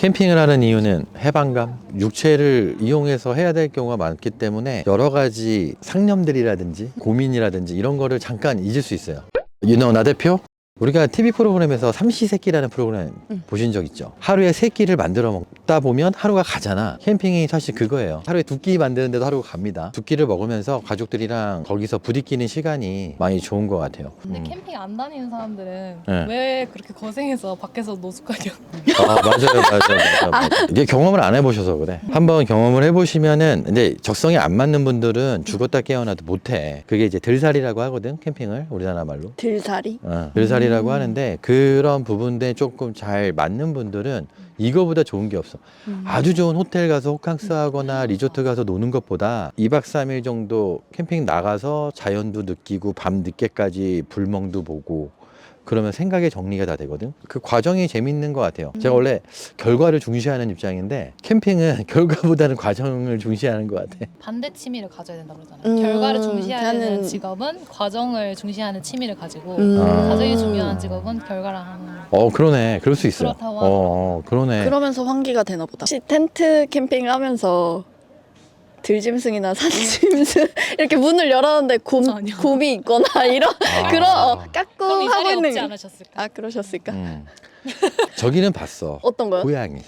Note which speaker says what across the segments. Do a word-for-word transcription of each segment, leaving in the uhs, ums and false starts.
Speaker 1: 캠핑을 하는 이유는 해방감, 육체를 이용해서 해야 될 경우가 많기 때문에 여러 가지 상념들이라든지 고민이라든지 이런 거를 잠깐 잊을 수 있어요. 유너 나 대표? 우리가 티비 프로그램에서 삼시세끼라는 프로그램
Speaker 2: 응.
Speaker 1: 보신 적 있죠? 하루에 세 끼를 만들어 먹다 보면 하루가 가잖아. 캠핑이 사실 그거예요. 하루에 두 끼 만드는데도 하루가 갑니다. 두 끼를 먹으면서 가족들이랑 거기서 부딪히는 시간이 많이 좋은 것 같아요.
Speaker 3: 근데
Speaker 1: 음.
Speaker 3: 캠핑 안 다니는 사람들은
Speaker 1: 네.
Speaker 3: 왜 그렇게 고생해서 밖에서 노숙하냐.
Speaker 1: 아, 맞아요, 맞아요, 맞아요, 맞아요. 이게 경험을 안 해보셔서 그래. 한번 경험을 해보시면은, 근데 적성에 안 맞는 분들은 죽었다 깨어나도 못해. 그게 이제 들살이라고 하거든, 캠핑을 우리나라 말로.
Speaker 2: 들살이?
Speaker 1: 어, 들살이라고
Speaker 2: 음.
Speaker 1: 하는데 그런 부분에 조금 잘 맞는 분들은 이거보다 좋은 게 없어.
Speaker 2: 음.
Speaker 1: 아주 좋은 호텔 가서 호캉스 하거나 리조트 가서 노는 것보다 이박 삼일 정도 캠핑 나가서 자연도 느끼고 밤 늦게까지 불멍도 보고 그러면 생각의 정리가 다 되거든. 그 과정이 재밌는 것 같아요. 제가 원래 결과를 중시하는 입장인데 캠핑은 결과보다는 과정을 중시하는 것 같아.
Speaker 3: 반대 취미를 가져야 된다고 그러잖아요.
Speaker 2: 음,
Speaker 3: 결과를 중시하는
Speaker 2: 저는-
Speaker 3: 직업은 과정을 중시하는 취미를 가지고
Speaker 2: 음.
Speaker 1: 아.
Speaker 3: 과정이 중요한 직업은 결과를 하는.
Speaker 1: 어, 그러네. 그럴 수 있어요.
Speaker 3: 그렇다고
Speaker 1: 어, 어, 그러네.
Speaker 2: 그러면서 환기가 되나 보다. 혹시 텐트 캠핑을 하면서 들짐승이나 산짐승 이렇게 문을 열었는데 곰,
Speaker 3: 아니요.
Speaker 2: 곰이 있거나 이런
Speaker 1: 아.
Speaker 2: 그런 어,
Speaker 3: 그럼 이
Speaker 2: 까꿍
Speaker 3: 자리에
Speaker 2: 하고 있는
Speaker 3: 없지 않으셨을까?
Speaker 2: 아 그러셨을까?
Speaker 1: 음. 저기는 봤어.
Speaker 2: 어떤 거요?
Speaker 1: 고양이.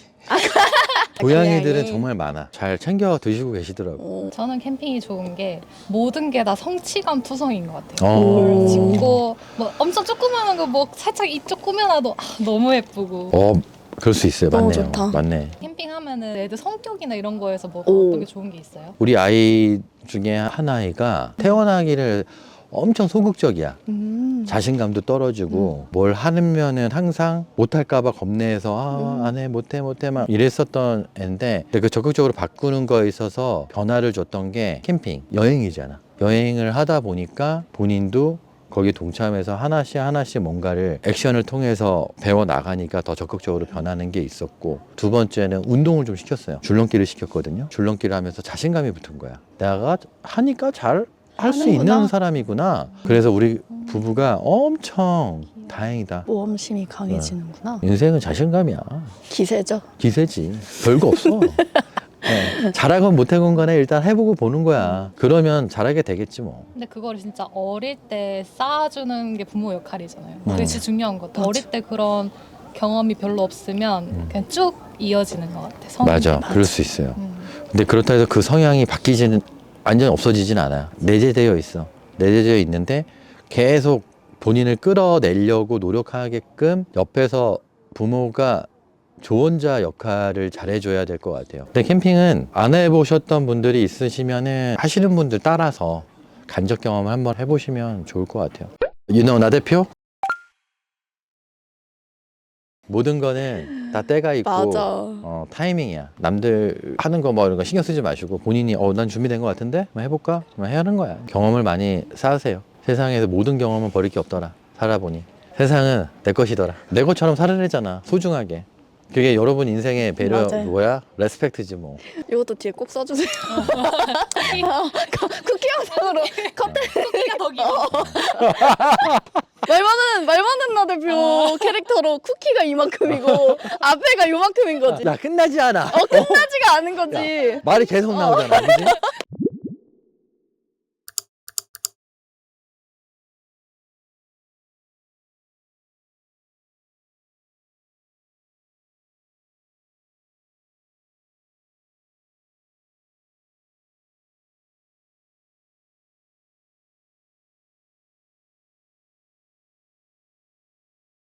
Speaker 1: 고양이들은
Speaker 2: 고양이.
Speaker 1: 정말 많아. 잘 챙겨 드시고 계시더라고.
Speaker 2: 어,
Speaker 3: 저는 캠핑이 좋은 게 모든 게 다 성취감 투성인 것 같아요.
Speaker 1: 어.
Speaker 3: 뭘 짓고 뭐 엄청 조그마한 거 뭐 살짝 이쪽 꾸며놔도 아, 너무 예쁘고.
Speaker 1: 어, 그럴 수 있어요.
Speaker 2: 너무
Speaker 1: 맞네요.
Speaker 2: 좋다.
Speaker 1: 맞네.
Speaker 3: 캠핑하면은 애들 성격이나 이런 거에서 뭐
Speaker 2: 오.
Speaker 3: 어떤 게 좋은 게 있어요?
Speaker 1: 우리 아이 중에 한 아이가 태어나기를 엄청 소극적이야.
Speaker 2: 음.
Speaker 1: 자신감도 떨어지고 뭘 하면은 항상 못할까봐 겁내서 아,
Speaker 2: 음.
Speaker 1: 안 해, 못해, 못해 막 이랬었던 애인데 근데 그 적극적으로 바꾸는 거에 있어서 변화를 줬던 게 캠핑, 여행이잖아. 여행을 하다 보니까 본인도 거기에 동참해서 하나씩 하나씩 뭔가를 액션을 통해서 배워 나가니까 더 적극적으로 변하는 게 있었고 두 번째는 운동을 좀 시켰어요. 줄넘기를 시켰거든요. 줄넘기를 하면서 자신감이 붙은 거야. 내가 하니까 잘 할 수
Speaker 2: 하는구나.
Speaker 1: 있는 사람이구나. 그래서 우리 부부가 엄청 다행이다.
Speaker 2: 모험심이 강해지는구나.
Speaker 1: 인생은 자신감이야.
Speaker 2: 기세죠.
Speaker 1: 기세지. 별거 없어. 네. 잘하건 못하건 간에 일단 해보고 보는 거야. 그러면 잘하게 되겠지 뭐.
Speaker 3: 근데 그거를 진짜 어릴 때 쌓아주는 게 부모 역할이잖아요. 그게
Speaker 1: 음.
Speaker 3: 진짜 중요한 것 같아요.
Speaker 2: 맞아.
Speaker 3: 어릴 때 그런 경험이 별로 없으면
Speaker 1: 음.
Speaker 3: 그냥 쭉 이어지는 것 같아요. 성-
Speaker 1: 맞아. 그럴 수 있어요.
Speaker 3: 음.
Speaker 1: 근데 그렇다 해서 그 성향이 바뀌지는 완전히 없어지진 않아요. 내재되어 있어. 내재되어 있는데 계속 본인을 끌어내려고 노력하게끔 옆에서 부모가 조언자 역할을 잘해줘야 될 것 같아요. 근데 캠핑은 안 해보셨던 분들이 있으시면은 하시는 분들 따라서 간접 경험을 한번 해보시면 좋을 것 같아요. 유너 나 대표? 모든 거는 다 때가 있고
Speaker 2: 맞아.
Speaker 1: 어, 타이밍이야. 남들 하는 거 뭐 이런 거 신경 쓰지 마시고 본인이 어, 난 준비된 것 같은데? 한번 해볼까? 한번 해야 하는 거야. 경험을 많이 쌓으세요. 세상에서 모든 경험은 버릴 게 없더라. 살아보니. 세상은 내 것이더라. 내 것처럼 살아내잖아. 소중하게. 그게 여러분 인생의 배려
Speaker 2: 맞아요.
Speaker 1: 뭐야? 레스펙트지 뭐.
Speaker 2: 이것도 뒤에 꼭 써주세요. 쿠키 영상으로 컷.
Speaker 3: 쿠키가 더 길어.
Speaker 2: 말 많은 말 많은 나 대표 캐릭터로 쿠키가 이만큼이고 앞에가 요만큼인 거지.
Speaker 1: 야 끝나지 않아.
Speaker 2: 어 끝나지가 않은 거지.
Speaker 1: 말이 계속 나오잖아. 그지?